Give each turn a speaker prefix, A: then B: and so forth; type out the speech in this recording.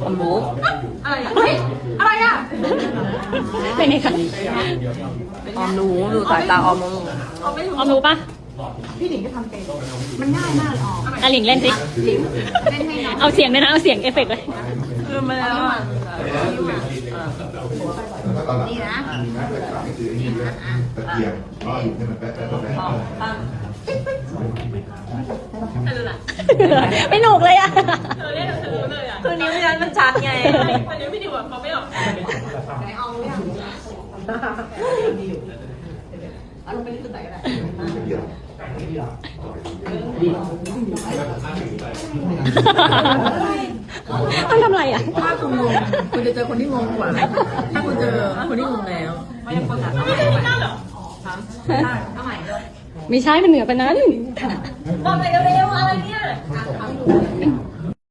A: ผมรู้
B: อะไรอ่ะเฮ้ยอะไรอ่ะ
A: เป็นไงคะออมรู้ดูสายตาออมรู้
B: เอาไม่ถูก
A: ออมรู้ปะ
B: พี่หนิงก็ทำเป็นมันง่ายมากเลยอ๋อ
A: อ่ะหลิงเล่นสิ
B: หลิงเล่นให้น้อง
A: เอาเสียงเลยนะ เอาเสียงเอฟเฟกต์เลย
B: ลืมไปแล้วอ่ะ
C: นี่นะมีไม้ตะขาบไม่ถือไอ้นี่ด้วยตะเกียบก็อยู่ให้มันแป๊ะแป๊ะแป๊ะแป๊ะ
A: ไม่หนุกเลยอ่ะ
B: คือนิ้วยันมันชัดไงวันนี้พี่ดิวอ่ะเขาไม่ออกไหนเอาหรือยังเอาลงไปที่ไหนก็ได้
C: ตะเกียบ
A: ต้องทำอะไรอ่ะ
D: ถ้าคุณงงคุณจะเจอคนที่งงกว่า ถ้าคุณเจอคนที่งงแล้ว
B: ไม่ยังคนถามไม่ได้หรอเอาใหม่เลย
A: ไม่ใช่มันเหนือไปนั้น
B: บอกเลยเร็วๆอะไรเนี่ย